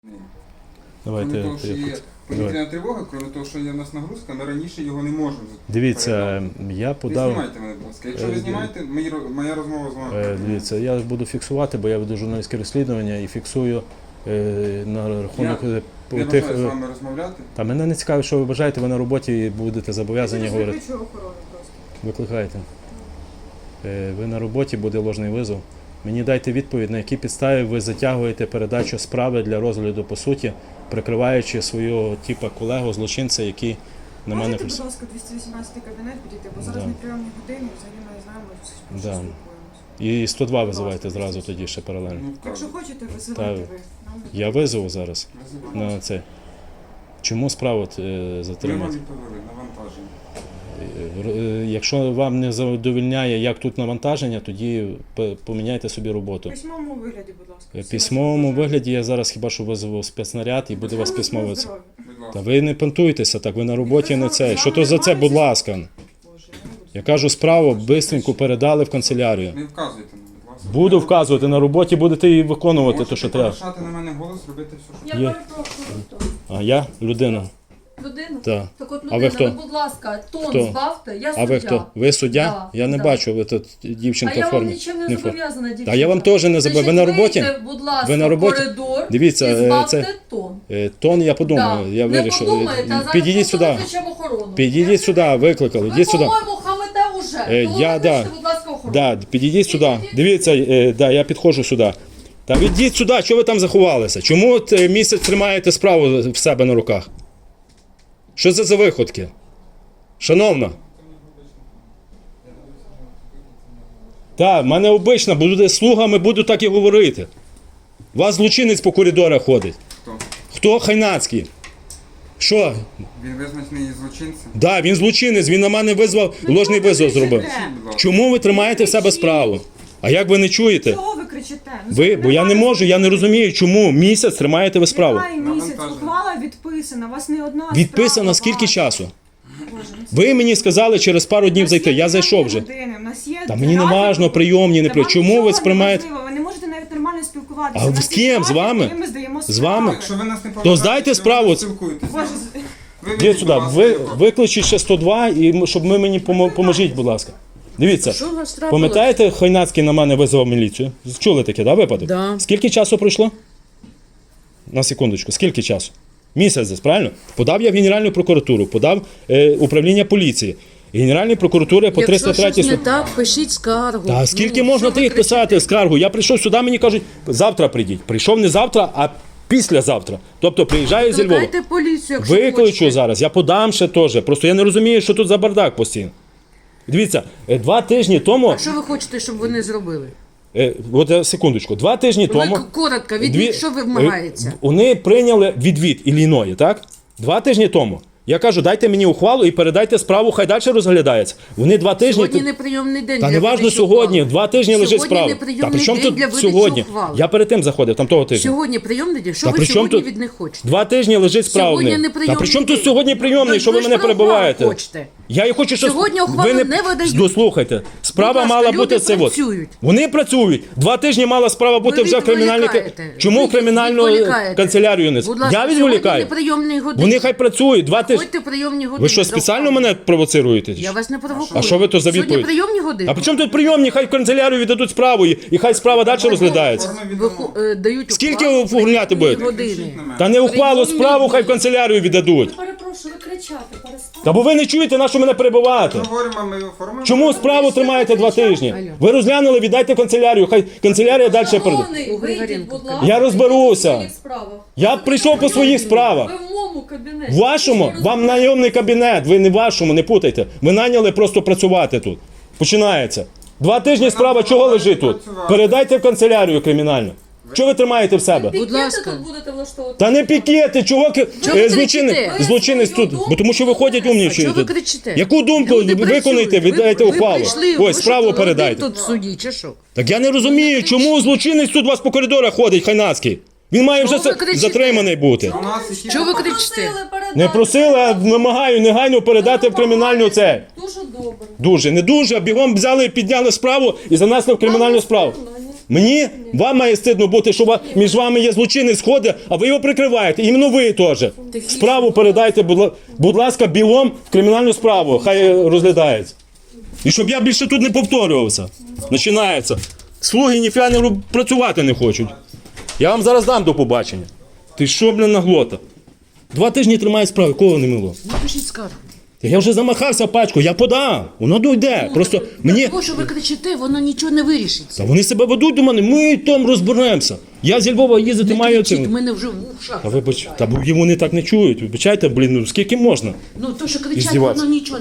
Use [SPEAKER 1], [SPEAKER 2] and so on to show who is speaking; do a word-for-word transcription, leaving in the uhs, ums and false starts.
[SPEAKER 1] Давайте.
[SPEAKER 2] Крім того, що є повітряна тривога, крім того, що є в нас нагрузка, ми раніше його не можемо.
[SPEAKER 1] Дивіться, я
[SPEAKER 2] Не
[SPEAKER 1] подав...
[SPEAKER 2] знімайте мене, будь ласка. Якщо ви знімаєте, мої ро- моя розмова з вами.
[SPEAKER 1] Е, Дивіться, я буду фіксувати, бо я веду журналістське розслідування і фіксую е, на рахунок е, по
[SPEAKER 2] Я
[SPEAKER 1] тих...
[SPEAKER 2] бажаю з
[SPEAKER 1] е,
[SPEAKER 2] вами розмовляти.
[SPEAKER 1] Та мене не цікавить, що ви бажаєте, ви на роботі і будете зобов'язані говорити.
[SPEAKER 3] Викличу охорону просто.
[SPEAKER 1] Викликайте. Е, Ви на роботі, буде ложний визов. Мені дайте відповідь, на якій підставі ви затягуєте передачу справи для розгляду по суті, прикриваючи свого типа колегу, злочинця, який на мене...
[SPEAKER 3] Можете, будь ласка, двісті вісімнадцятий кабінет підійти, бо зараз
[SPEAKER 1] Да.
[SPEAKER 3] не прийомні години, взагалі ми не знаємо, що
[SPEAKER 1] Да.
[SPEAKER 3] спілкуємося.
[SPEAKER 1] І сто два визивайте зразу тоді ще паралельно.
[SPEAKER 2] Ну,
[SPEAKER 3] Якщо
[SPEAKER 2] вказуйте.
[SPEAKER 3] хочете, висилайте
[SPEAKER 1] Та-
[SPEAKER 3] ви. Нам
[SPEAKER 1] Я визову зараз
[SPEAKER 2] Визивайте.
[SPEAKER 1] на це. Чому справу е,
[SPEAKER 2] Ми вам
[SPEAKER 1] затримати?
[SPEAKER 2] відповіли, навантаження.
[SPEAKER 1] Е, Якщо вам не задовольняє, як тут навантаження, тоді п- поміняйте собі
[SPEAKER 3] в
[SPEAKER 1] роботу.
[SPEAKER 3] письмовому вигляді, будь ласка.
[SPEAKER 1] В
[SPEAKER 3] Всі
[SPEAKER 1] письмовому
[SPEAKER 3] ваші бажання.
[SPEAKER 1] вигляді я зараз хіба що визову спецнаряд і буде вас
[SPEAKER 3] Здоров'я,
[SPEAKER 1] письмово.
[SPEAKER 3] здоров'я.
[SPEAKER 2] Будь
[SPEAKER 1] Та
[SPEAKER 2] ласка.
[SPEAKER 1] ви не понтуйтеся так, ви на роботі не це. Що то за це, будь ласка.
[SPEAKER 3] Боже, я не буду.
[SPEAKER 1] Я кажу, справу бистренько передали в канцелярію.
[SPEAKER 2] Не вказуйте мені, будь ласка.
[SPEAKER 1] Буду вказувати, на роботі будете і виконувати те,
[SPEAKER 2] Можете
[SPEAKER 1] що треба.
[SPEAKER 2] повишати на мене голос, робити все, що
[SPEAKER 4] Я
[SPEAKER 1] Є.
[SPEAKER 4] перепрошую.
[SPEAKER 1] А я людина.
[SPEAKER 4] Людина?
[SPEAKER 1] Так.
[SPEAKER 4] Так от
[SPEAKER 1] А
[SPEAKER 4] людина,
[SPEAKER 1] ви хто?
[SPEAKER 4] будь ласка, тон
[SPEAKER 1] Хто?
[SPEAKER 4] збавте, я
[SPEAKER 1] А
[SPEAKER 4] суддя.
[SPEAKER 1] ви хто? Ви суддя?
[SPEAKER 4] Да,
[SPEAKER 1] Я не
[SPEAKER 4] да.
[SPEAKER 1] бачу, ви тут
[SPEAKER 4] А
[SPEAKER 1] дівчинка
[SPEAKER 4] я
[SPEAKER 1] в
[SPEAKER 4] вам
[SPEAKER 1] формі.
[SPEAKER 4] нічим не
[SPEAKER 1] Не в формі.
[SPEAKER 4] зобов'язана, дівчинка.
[SPEAKER 1] Та я вам теж не зобов'язаний. Ви на роботі?
[SPEAKER 4] Вийдете, будь ласка,
[SPEAKER 1] Ви на роботі?
[SPEAKER 4] в коридор
[SPEAKER 1] Дивіться,
[SPEAKER 4] і
[SPEAKER 1] е,
[SPEAKER 4] збавте
[SPEAKER 1] це-
[SPEAKER 4] тон.
[SPEAKER 1] Е, Тон я подумаю,
[SPEAKER 4] Да.
[SPEAKER 1] я
[SPEAKER 4] Не
[SPEAKER 1] вирішив.
[SPEAKER 4] подумайте, а зараз
[SPEAKER 1] Підійдіть
[SPEAKER 4] просто
[SPEAKER 1] сюди.
[SPEAKER 4] викличемо охорону.
[SPEAKER 1] Підійдіть сюди, викликали.
[SPEAKER 4] Ви,
[SPEAKER 1] Йдіть сюди.
[SPEAKER 4] по-моєму, хамите уже.
[SPEAKER 1] Е,
[SPEAKER 4] Тому
[SPEAKER 1] я,
[SPEAKER 4] викличте,
[SPEAKER 1] да.
[SPEAKER 4] будь ласка, охорону.
[SPEAKER 1] Да, підійдіть сюди.
[SPEAKER 4] Підійдіть.
[SPEAKER 1] Дивіться, е, да, я підходжу сюди. Та відійдіть сюди, що ви там заховалися? Чому от, е, місяць тримаєте справу в себе на руках? Що це за виходки? Шановна. Так, в мене обично, буде слугами, буду так і говорити. У вас злочинець по коридорах ходить.
[SPEAKER 2] Хто?
[SPEAKER 1] Хто Хайнацький? Що?
[SPEAKER 2] Він визначений злочинцем.
[SPEAKER 1] Да, він злочинець, він на мене визвав, ложний визов зробив.
[SPEAKER 2] Будь ласка.
[SPEAKER 1] Чому ви тримаєте в себе справу? А як ви не чуєте?
[SPEAKER 3] Чого ви кричите? Ну,
[SPEAKER 1] Ви,
[SPEAKER 3] це
[SPEAKER 1] бо я не
[SPEAKER 3] немає-
[SPEAKER 1] можу, я не розумію, чому місяць тримаєте ви справу.
[SPEAKER 3] Немає місяць,
[SPEAKER 2] Навантаження.
[SPEAKER 3] ухвала відписана, у вас не одна
[SPEAKER 1] Відписано
[SPEAKER 3] справа
[SPEAKER 1] скільки
[SPEAKER 3] ваша.
[SPEAKER 1] часу?
[SPEAKER 3] Боже, ну це-
[SPEAKER 1] Ви мені сказали через пару
[SPEAKER 3] У
[SPEAKER 1] днів
[SPEAKER 3] нас
[SPEAKER 1] зайти,
[SPEAKER 3] є
[SPEAKER 1] я зайшов вже.
[SPEAKER 3] прийомні години, у нас є
[SPEAKER 1] Та мені не
[SPEAKER 3] графік.
[SPEAKER 1] важно, прийомні, не
[SPEAKER 3] Та
[SPEAKER 1] при.
[SPEAKER 3] вам
[SPEAKER 1] Чому
[SPEAKER 3] нічого
[SPEAKER 1] ви
[SPEAKER 3] не
[SPEAKER 1] сприймаєте?
[SPEAKER 3] важливо, ви не можете навіть нормально спілкуватися.
[SPEAKER 1] А
[SPEAKER 3] У нас
[SPEAKER 1] з
[SPEAKER 3] є
[SPEAKER 1] ким? З
[SPEAKER 3] графік,
[SPEAKER 1] вами?
[SPEAKER 3] який ми здаємо
[SPEAKER 1] З вами?
[SPEAKER 3] справи.
[SPEAKER 2] Якщо ви нас не
[SPEAKER 1] То
[SPEAKER 2] поважаєте,
[SPEAKER 1] здайте
[SPEAKER 2] що ви
[SPEAKER 1] справу.
[SPEAKER 2] не спілкуєтесь.
[SPEAKER 3] Боже,
[SPEAKER 2] Ви
[SPEAKER 1] Йдіть
[SPEAKER 2] ведіть,
[SPEAKER 1] сюди,
[SPEAKER 2] будь ласка,
[SPEAKER 1] ви,
[SPEAKER 2] його.
[SPEAKER 1] викличіть ще сто два, і м- щоб ми мені помо- поможіть, будь ласка. Дивіться,
[SPEAKER 5] Що у вас трапилось?
[SPEAKER 1] пам'ятаєте, Хайнацький на мене визвав міліцію? Чули таке, да, випадок?
[SPEAKER 5] Да.
[SPEAKER 1] Скільки часу пройшло? На секундочку, скільки часу? Місяць десь, правильно? Подав я в Генеральну прокуратуру, подав е, управління поліції. Генеральній прокуратурі по
[SPEAKER 5] Якщо
[SPEAKER 1] триста третій...
[SPEAKER 5] щось не так, пишіть скаргу.
[SPEAKER 1] Та скільки
[SPEAKER 5] Ну,
[SPEAKER 1] можна
[SPEAKER 5] що ви
[SPEAKER 1] тих
[SPEAKER 5] кричите?
[SPEAKER 1] писати скаргу? Я прийшов сюди, мені кажуть, завтра прийдіть. Прийшов не завтра, а післязавтра. Тобто приїжджаю зі Львова.
[SPEAKER 5] Викликайте поліцію, якщо
[SPEAKER 1] Викличу
[SPEAKER 5] хочете.
[SPEAKER 1] зараз, я подам ще теж. Просто я не розумію, що тут за бардак постійно. Дивіться, е, два тижні тому...
[SPEAKER 5] А що ви хочете, щоб вони зробили?
[SPEAKER 1] Е, от е, секундочку, два тижні тому...
[SPEAKER 5] Ви к- коротко, від
[SPEAKER 1] Дві-
[SPEAKER 5] них що
[SPEAKER 1] е,
[SPEAKER 5] вимагається?
[SPEAKER 1] Вони прийняли відвід Ілліної, так? Два тижні тому. Я кажу, дайте мені ухвалу і передайте справу, хай далі розглядається. Вони два тижні...
[SPEAKER 5] Сьогодні неприйомний день
[SPEAKER 1] Та
[SPEAKER 5] для
[SPEAKER 1] не важно
[SPEAKER 5] видачі
[SPEAKER 1] сьогодні,
[SPEAKER 5] ухвали.
[SPEAKER 1] два тижні лежить
[SPEAKER 5] Сьогодні
[SPEAKER 1] справа. Та
[SPEAKER 5] неприйомний
[SPEAKER 1] при чому
[SPEAKER 5] день
[SPEAKER 1] тут
[SPEAKER 5] для видачі
[SPEAKER 1] сьогодні?
[SPEAKER 5] ухвали.
[SPEAKER 1] Я перед тим заходив, там того тижня.
[SPEAKER 5] Сьогодні прийомний день? Що
[SPEAKER 1] Та
[SPEAKER 5] ви
[SPEAKER 1] при чому
[SPEAKER 5] сьогодні
[SPEAKER 1] тут-
[SPEAKER 5] від них хочете?
[SPEAKER 1] Два тижні лежить справа в
[SPEAKER 5] Сьогодні
[SPEAKER 1] них. Та
[SPEAKER 5] неприйомний
[SPEAKER 1] при чому тут
[SPEAKER 5] день.
[SPEAKER 1] сьогодні прийомний,
[SPEAKER 5] Ну,
[SPEAKER 1] що ви
[SPEAKER 5] ви ж
[SPEAKER 1] мене
[SPEAKER 5] про ухвалу
[SPEAKER 1] перебиваєте?
[SPEAKER 5] хочете.
[SPEAKER 1] Я і хочу, що
[SPEAKER 5] Сьогодні ухвалу не видають.
[SPEAKER 1] Дослухайте, справа
[SPEAKER 5] Будь ласка,
[SPEAKER 1] мала
[SPEAKER 5] люди
[SPEAKER 1] бути це от.
[SPEAKER 5] працюють.
[SPEAKER 1] Вони працюють. Два тижні мала справа бути вже в кримінальній...
[SPEAKER 5] відволікаєте.
[SPEAKER 1] Чому
[SPEAKER 5] Ви
[SPEAKER 1] в кримінальну
[SPEAKER 5] відволікаєте.
[SPEAKER 1] канцелярію не...
[SPEAKER 5] Будь ласка,
[SPEAKER 1] Я відволікаю.
[SPEAKER 5] сьогодні неприйомний годин.
[SPEAKER 1] Вони хай працюють. Два тижні.
[SPEAKER 5] Ходьте прийомні години.
[SPEAKER 1] Ви що,
[SPEAKER 5] до
[SPEAKER 1] спеціально
[SPEAKER 5] ухвали.
[SPEAKER 1] мене провоцируєте?
[SPEAKER 5] Я вас не провокую.
[SPEAKER 1] А що ви то за
[SPEAKER 5] Сьогодні
[SPEAKER 1] відповідь?
[SPEAKER 5] прийомні години.
[SPEAKER 1] А при чому тут прийомні? Хай в канцелярію віддадуть справу і, і хай справа далі розглядається.
[SPEAKER 2] Форми
[SPEAKER 5] Ви
[SPEAKER 2] відомо.
[SPEAKER 5] ху- е, дають
[SPEAKER 1] Скільки
[SPEAKER 5] ухвалу
[SPEAKER 1] оформляти
[SPEAKER 5] прийомні
[SPEAKER 1] будете?
[SPEAKER 5] години.
[SPEAKER 2] Кричіть на мене.
[SPEAKER 1] Та не ухвалу
[SPEAKER 5] Прийомні
[SPEAKER 1] справу хай в
[SPEAKER 5] дні.
[SPEAKER 1] канцелярію віддадуть.
[SPEAKER 4] Я перепрошую, ви кричати, перестаньте.
[SPEAKER 1] Та бо ви не чуєте, на що мене перебивати.
[SPEAKER 2] Ми говоримо, ми оформимо.
[SPEAKER 1] Чому справу тримаєте два тижні?
[SPEAKER 5] Алло.
[SPEAKER 1] Ви розглянули, віддайте в канцелярію, хай канцелярія далі передає.
[SPEAKER 4] Шановний,
[SPEAKER 5] У
[SPEAKER 4] вийдіть,
[SPEAKER 5] Григоренко
[SPEAKER 4] будь ласка.
[SPEAKER 1] Я розберуся.
[SPEAKER 4] в своїх справах.
[SPEAKER 1] Я прийшов по своїх справах.
[SPEAKER 4] Ви в моєму кабінеті.
[SPEAKER 1] В вашому,
[SPEAKER 4] Ви ж
[SPEAKER 1] вам
[SPEAKER 4] розумієте?
[SPEAKER 1] найомний кабінет, ви не в вашому, не путайте. Ви наняли просто працювати тут. Починається. Два тижні справа чого лежить тут? Передайте в канцелярію кримінальну. Чого ви тримаєте в себе?
[SPEAKER 4] Пікети
[SPEAKER 5] ласка.
[SPEAKER 4] тут будете влаштовувати?
[SPEAKER 1] Та не пікети, чого ки-
[SPEAKER 5] Чого ви
[SPEAKER 1] е, злочинець,
[SPEAKER 5] кричите?
[SPEAKER 1] злочинець
[SPEAKER 4] Ви свою
[SPEAKER 1] тут,
[SPEAKER 4] думку
[SPEAKER 1] бо тому що виходять
[SPEAKER 4] донесете.
[SPEAKER 1] умніші.
[SPEAKER 5] Чого ви
[SPEAKER 1] тут.
[SPEAKER 5] кричите?
[SPEAKER 1] Яку думку
[SPEAKER 5] Люди
[SPEAKER 1] виконайте,
[SPEAKER 5] працюють.
[SPEAKER 1] віддайте
[SPEAKER 5] Ви-
[SPEAKER 1] ухвалу.
[SPEAKER 5] Ви прийшли,
[SPEAKER 1] Ось
[SPEAKER 5] ви
[SPEAKER 1] справу
[SPEAKER 5] що, один
[SPEAKER 1] передайте.
[SPEAKER 5] тут в суді, чи що?
[SPEAKER 1] Так я не розумію, чому злочинець тут у вас по коридорах ходить, Хайнацький. Він має вже
[SPEAKER 5] Чого ви
[SPEAKER 1] за-
[SPEAKER 5] кричите?
[SPEAKER 1] затриманий бути.
[SPEAKER 2] У нас які...
[SPEAKER 5] Чого ви
[SPEAKER 4] Попросили
[SPEAKER 5] кричите?
[SPEAKER 4] передати.
[SPEAKER 1] Не просили, а вимагаю негайно передати в кримінальну це.
[SPEAKER 4] Дуже добре.
[SPEAKER 1] Дуже, не дуже, а бігом взяли і підняли справу і занесли в кримінальну
[SPEAKER 4] Вам
[SPEAKER 1] справу.
[SPEAKER 4] стидно, ні?
[SPEAKER 1] Мені? Вам має стидно бути, що ва- між вами є злочинець ходить, а ви його прикриваєте. Іменно ви теж. Справу передайте, будь, ла- будь ласка, білом в кримінальну справу. Хай е, розглядається. І щоб я більше тут не повторювався. Починається. Слуги ніфіга не роб- працювати не хочуть. Я вам зараз дам до побачення. Ти що, блін, наглота? Два тижні тримає справи, кого не мило?
[SPEAKER 5] Напишіть скаргу.
[SPEAKER 1] Я вже замахався пачку, я подам. Воно дойде. Просто мені.
[SPEAKER 5] Того, що ви кричите, воно нічого не вирішить.
[SPEAKER 1] Та вони себе ведуть до мене, ми там розберемося. Я зі Львова їздити
[SPEAKER 5] Не
[SPEAKER 1] маю
[SPEAKER 5] кричіть,
[SPEAKER 1] цим.
[SPEAKER 5] в мене вже в ушах.
[SPEAKER 1] Та вибач, та бо вони так не чують. Вибачайте, блін, ну скільки можна?
[SPEAKER 5] Ну то, що кричать,
[SPEAKER 1] Іздіватися.
[SPEAKER 5] воно нічого